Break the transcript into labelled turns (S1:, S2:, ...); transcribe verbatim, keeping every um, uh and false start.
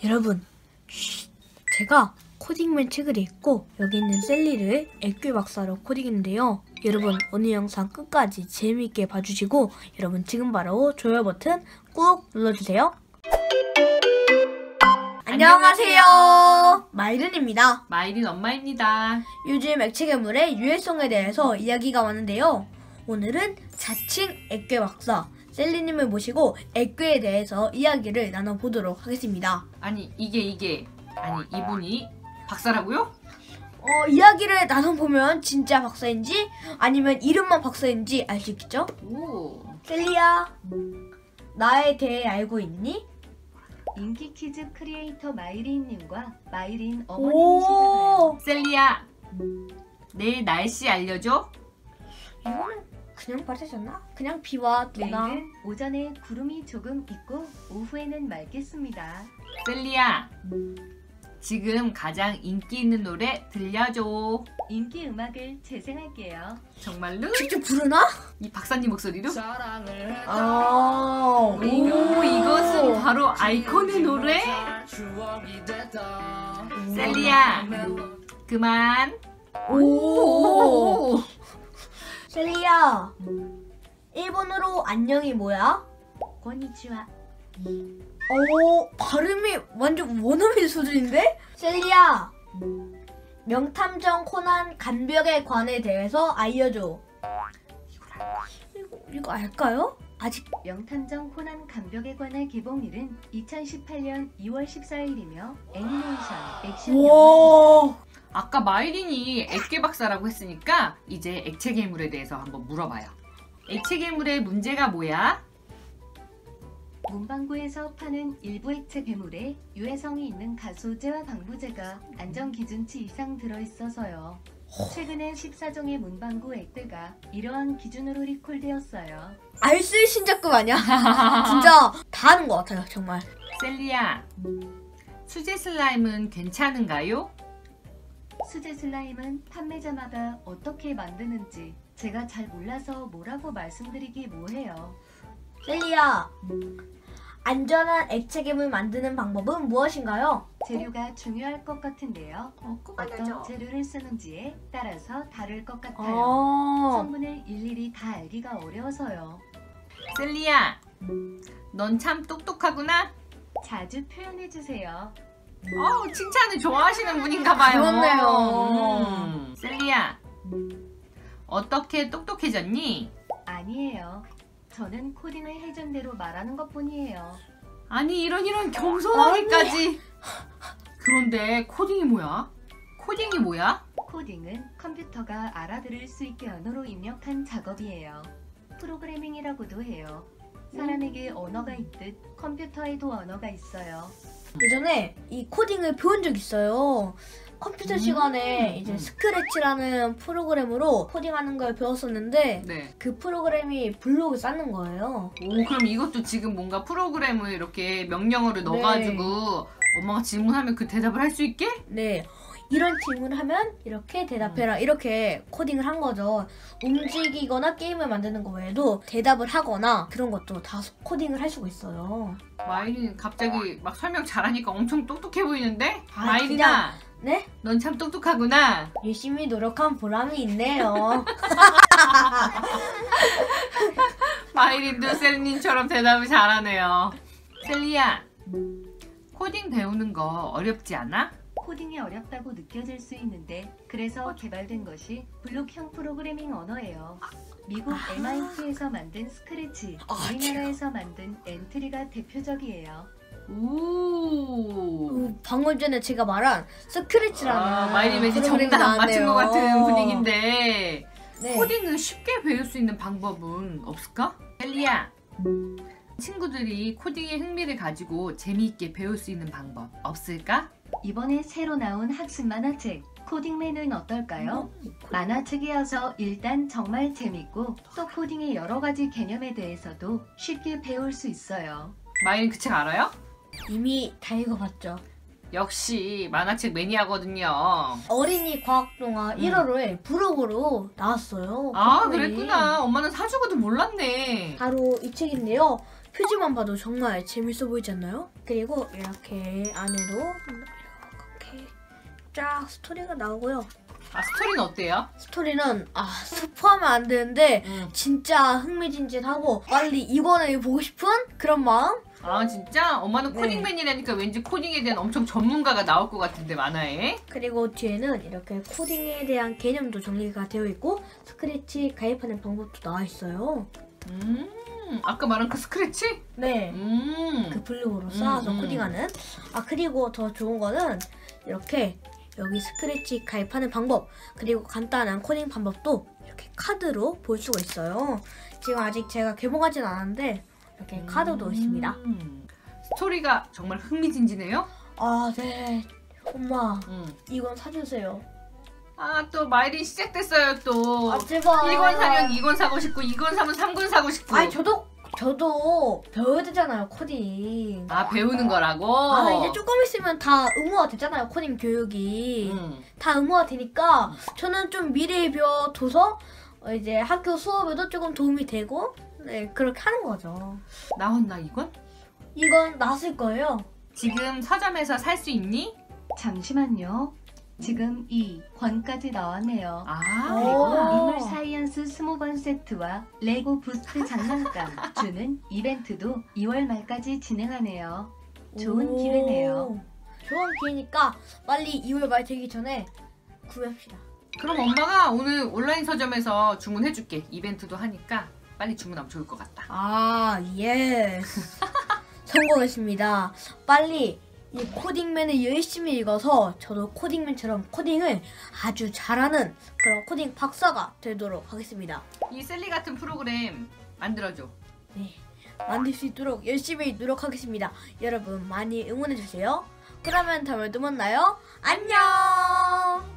S1: 여러분, 쉬, 제가 코딩맨 책을 읽고 여기 있는 셀리를 액괴 박사로 코딩했는데요. 여러분, 오늘 영상 끝까지 재미있게 봐주시고 여러분 지금 바로 좋아요 버튼 꾹 눌러주세요. 안녕하세요. 마이른입니다.
S2: 마이린 엄마입니다.
S1: 요즘 액체 괴물의 유해성에 대해서 이야기가 많은데요. 오늘은 자칭 액괴 박사 셀리님을 모시고 액괴에 대해서 이야기를 나눠보도록 하겠습니다.
S2: 아니 이게 이게 아니 이분이 박사라고요?
S1: 어, 이야기를 나눠보면 진짜 박사인지 아니면 이름만 박사인지 알 수 있겠죠?
S2: 오.
S1: 셀리야, 나에 대해 알고 있니?
S3: 인기 퀴즈 크리에이터 마이린님과 마이린 어머님이시잖아요.
S2: 셀리야, 내일 날씨 알려줘?
S1: 이거는 그냥 받으셨나? 그냥 비와 누나.
S3: 내일은 오전에 구름이 조금 있고 오후에는 맑겠습니다.
S2: 셀리야, 지금 가장 인기 있는 노래 들려줘.
S3: 인기 음악을 재생할게요.
S2: 정말로?
S1: 직접 부르나?
S2: 이 박사님 목소리로?
S1: 아,
S2: 오, 이것은 바로 아이콘의 노래? 셀리야, 그만.
S1: 오. 셀리야, 일본어로 안녕이 뭐야?
S3: 고니치와.
S1: 오, 발음이 완전 원어민 수준인데? 셀리야, 명탐정 코난 간벽의 관에 대해서 알려줘. 이거, 이거 알까요? 아직.
S3: 명탐정 코난 간벽에 관한 개봉일은 이천십팔년 이월 십사일이며 애니메이션, 액션 영화.
S1: 와.
S2: 아까 마이린이 액괴 박사라고 했으니까 이제 액체 괴물에 대해서 한번 물어봐요. 액체 괴물의 문제가 뭐야?
S3: 문방구에서 파는 일부 액체 괴물에 유해성이 있는 가소제와 방부제가 안전기준치 이상 들어있어서요. 최근에 십사종의 문방구 액괴가 이러한 기준으로 리콜되었어요.
S1: 알쓸 신작급 아니야? 진짜 다 하는 것 같아요, 정말.
S2: 셀리야, 수제 슬라임은 괜찮은가요?
S3: 수제 슬라임은 판매자마다 어떻게 만드는지 제가 잘 몰라서 뭐라고 말씀드리기 뭐해요.
S1: 셀리야, 안전한 액체 괴물 만드는 방법은 무엇인가요?
S3: 재료가 중요할 것 같은데요.
S2: 어, 꼭
S3: 어떤
S2: 알려줘.
S3: 재료를 쓰는지에 따라서 다를 것 같아요.
S1: 아,
S3: 성분을 일일이 다 알기가 어려워서요.
S2: 셀리야, 넌 참 똑똑하구나.
S3: 자주 표현해주세요.
S2: 어, 칭찬을 좋아하시는 분인가 봐요.
S1: 그렇네요.
S2: 음. 셀리야, 어떻게 똑똑해졌니?
S3: 아니에요. 저는 코딩을 해준 대로 말하는 것뿐이에요.
S2: 아니 이런 이런 겸손하기까지. 그런데 코딩이 뭐야? 코딩이 뭐야?
S3: 코딩은 컴퓨터가 알아들을 수 있게 언어로 입력한 작업이에요. 프로그래밍이라고도 해요. 사람에게 언어가 있듯 컴퓨터에도 언어가 있어요.
S1: 예전에 이 코딩을 배운 적 있어요. 컴퓨터 시간에 이제 스크래치라는 프로그램으로 코딩하는 걸 배웠었는데
S2: 네.
S1: 그 프로그램이 블록을 쌓는 거예요.
S2: 오, 그럼 이것도 지금 뭔가 프로그램을 이렇게 명령어를 넣어가지고 엄마가 질문하면 그 대답을 할 수 있게?
S1: 네. 이런 질문을 하면 이렇게 대답해라. 이렇게 코딩을 한 거죠. 움직이거나 게임을 만드는 거 외에도 대답을 하거나 그런 것도 다 코딩을 할 수가 있어요.
S2: 마이린 갑자기 막 설명 잘하니까 엄청 똑똑해 보이는데?
S1: 아,
S2: 마이린아,
S1: 네?
S2: 넌 참 똑똑하구나.
S1: 열심히 노력한 보람이 있네요.
S2: 마이린도 셀리님처럼 대답을 잘하네요. 셀리야, 코딩 배우는 거 어렵지 않아?
S3: 코딩이 어렵다고 느껴질 수 있는데 그래서 개발된 것이 블록형 프로그래밍 언어예요. 미국 엠아이티에서 만든 스크래치,
S1: 아,
S3: 우리나라에서 만든 엔트리가 대표적이에요.
S2: 오.
S1: 그 방금 전에 제가 말한 스크래치라는
S2: 아, 마이린 왠지
S1: 프로그램이
S2: 정답 맞춘 것 같은
S1: 나왔네요.
S2: 분위기인데
S1: 네.
S2: 코딩을 쉽게 배울 수 있는 방법은 없을까? 셀리야, 친구들이 코딩에 흥미를 가지고 재미있게 배울 수 있는 방법 없을까?
S3: 이번에 새로 나온 학습 만화책 코딩맨은 어떨까요? 만화책이어서 일단 정말 재밌고 또 코딩의 여러 가지 개념에 대해서도 쉽게 배울 수 있어요.
S2: 마이린 그 책 알아요?
S1: 이미 다 읽어봤죠.
S2: 역시 만화책 매니아거든요.
S1: 어린이 과학동화
S2: 음.
S1: 일월호에 부록으로 나왔어요.
S2: 아,
S1: 네.
S2: 그랬구나. 엄마는 사주고도 몰랐네.
S1: 바로 이 책인데요. 표지만 봐도 정말 재밌어 보이지 않나요? 그리고 이렇게 안으로 이렇게 쫙 스토리가 나오고요.
S2: 아 스토리는 어때요?
S1: 스토리는 아 스포하면 안 되는데
S2: 응.
S1: 진짜 흥미진진하고 빨리 이권을 보고 싶은 그런 마음?
S2: 아 진짜? 엄마는
S1: 네.
S2: 코딩맨이라니까 왠지 코딩에 대한 엄청 전문가가 나올 것 같은데 만화에.
S1: 그리고 뒤에는 이렇게 코딩에 대한 개념도 정리가 되어 있고 스크래치 가입하는 방법도 나와 있어요.
S2: 음 아까 말한 그 스크래치?
S1: 네.
S2: 음.
S1: 그 블록으로 쌓아서
S2: 음, 음.
S1: 코딩하는. 아 그리고 더 좋은 거는 이렇게 여기 스크래치 가입하는 방법 그리고 간단한 코딩 방법도 이렇게 카드로 볼 수가 있어요. 지금 아직 제가 개봉하진 않았는데 이렇게 카드도 있습니다.
S2: 음. 스토리가 정말 흥미진진해요?
S1: 아 네. 엄마
S2: 음.
S1: 이건 사주세요.
S2: 아 또 마일이 시작됐어요 또.
S1: 아 제발.
S2: 일 권 사면 이 권 사고 싶고 이 권 사면 삼 권 사고 싶고.
S1: 아니 저도 저도 배워야 되잖아요 코딩.
S2: 아 배우는 거라고?
S1: 아 이제 조금 있으면 다 의무화 되잖아요 코딩 교육이.
S2: 음.
S1: 다 의무화 되니까 저는 좀 미리 배워둬서 어, 이제 학교 수업에도 조금 도움이 되고 네 그렇게 하는 거죠.
S2: 나왔나 이건?
S1: 이건 나왔을 거예요.
S2: 지금 서점에서 살 수 있니?
S3: 잠시만요. 지금 이 권까지 나왔네요.
S2: 아
S1: 오.
S3: 그리고 인물 사이언스 스무 번 세트와 레고 부스트 장난감 주는 이벤트도 이월 말까지 진행하네요. 좋은
S1: 오.
S3: 기회네요.
S1: 좋은 기회니까 빨리 이월 말 되기 전에 구매합시다.
S2: 그럼 엄마가 오늘 온라인 서점에서 주문해줄게. 이벤트도 하니까 빨리 주문하면 좋을 것 같다.
S1: 아 예스. 성공했습니다. 빨리 이 코딩맨을 열심히 읽어서 저도 코딩맨처럼 코딩을 아주 잘하는 그런 코딩 박사가 되도록 하겠습니다.
S2: 이 셀리 같은 프로그램 만들어줘.
S1: 네, 만들 수 있도록 열심히 노력하겠습니다. 여러분 많이 응원해주세요. 그러면 다음에 또 만나요. 안녕!